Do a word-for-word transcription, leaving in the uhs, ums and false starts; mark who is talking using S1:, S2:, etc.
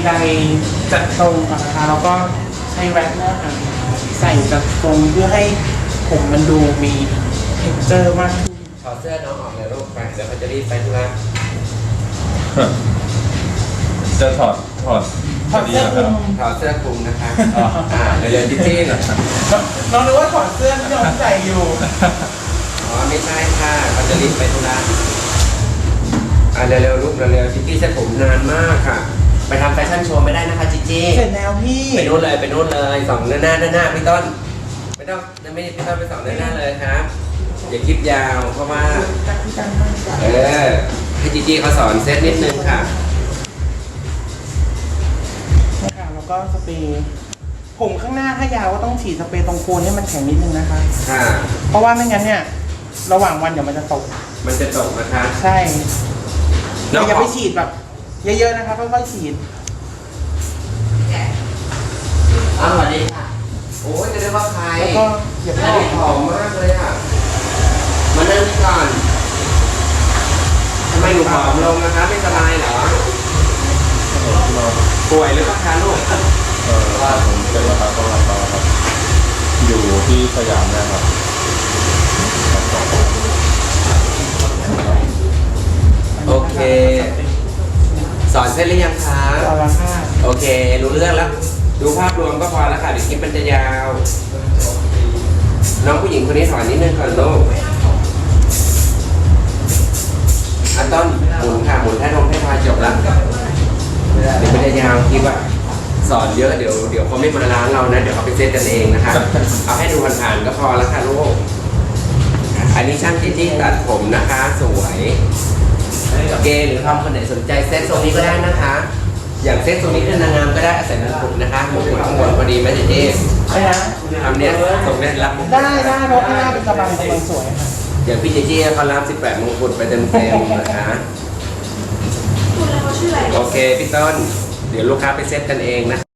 S1: ใดจัดตรงก่อนนะคะแล้วก็ใช้แว็กซ์นะคะใส่จัดตรงเพื่อให้ผมมันดูมีเท็กเจอร์มากขึ้น
S2: ถอดเสื้อน้องออกเลยลูกไปเดี๋ยวเขาจะรีบไปธุระ
S3: จะถอดถอด
S1: ถอดเสื้อคลุม
S2: ถอดเสื้อคลุมนะคะอ่าเดี๋ยวเดี๋ยวจิ๊จี้หน่อย
S1: น้องนึกว่าถอดเสื้อที่น้องใส่อยู่
S2: อ๋อไม่ใช่ค่ะเขาจะรีบไปธุระอ่าเร็วๆลูกเร็วๆจิ๊จี้เส้นผมนานมากค่ะ ไปทำแฟชั่นโชว์ไม่ได้นะคะจิ๊จี้
S1: เสร็จแล้วพี่
S2: ไปนู่นเลยไปนู่นเลยสองหน้าหน้าหน้าหน้าพี่ต้นไม่ต้องไม่ไม่ต้องไปสองหน้าหน้าเลยครับอย่าคลิปยาวเพราะว่าเออให้จีจีเขาสอนเซตนิดนึงค่ะ
S1: นะคะแล้วก็สเปรย์ผมข้างหน้าถ้ายาวก็ต้องฉีดสเปรย์ตรงโคนให้มันแข็งนิดนึงนะคะ
S2: ค่ะ
S1: เพราะว่าไม่งั้นเนี่ยระหว่างวันเดี๋ยวมันจะตก
S2: มันจะตกนะคะ
S1: ใช่
S2: น้
S1: แต่
S2: อง
S1: อย่าไปฉีดแบบเยอะๆนะคะค่อยๆฉีด
S2: อ้าวสวัสดีค่ะโอ้ยจะได้ว่าใคร
S1: แล้วก็อย่า
S2: อั
S1: เพิ่
S2: น
S1: ง
S2: นี้ผอมมากเลยอ่ะมานั่งนี่ก่อนทำไมหนูผอมลงนะคะไม่สบายเหรอป่วยหรือเปล่าคะลูก
S3: เออผมเป็นประธานกรรมการครับ อยู่ที่สยามนะครับ
S2: โอเค สอนเสร็จหรือยังคะ
S1: เอาละค่ะ
S2: โอเค รู้เรื่องแล้ว ดูภาพรวมก็พอแล้วค่ะเดี๋ยวคลิปมันจะยาว น้องผู้หญิงคนนี้ถอนนิดนึงก่อนลูกอันต้นหมุนค่ะหมุนแท่นมให้พาจบละเดี๋ยวมันจะยาวคลิปอะสอนเยอะเดี๋ยวเดี๋ยวเขาไม่มาร้านเรานะ เดี๋ยวเขาไปเซตกันเองนะคะ เอาให้ดูผ่านๆก็พอแล้วค่ะลูก อันนี้ช่างที่ที่ตัดผมนะคะ สวยเกย์หรือทอมคนไหนสนใจเซตทรงนี้ก็ได้นะคะ อย่างเซตทรงนี้เป็นนางงามก็ได้อาศัยมงกุฎนะคะมงกุฎข้างบนพอดีไหมเจ๊เจ๊
S1: ไม่นะ
S2: ทำเนี้ยทรงเนี้ยรับ
S1: ได้ได้เพราะข้างหน้าเป็นกระบังกำลังสวยค่ะ
S2: อย่างพี่เจ๊เจ๊เขารับสิบแปดมงกุฎไปเต็มเต็มๆนะคะโอเคพี่ต้นเดี๋ยวลูกค้าไปเซตกันเองนะ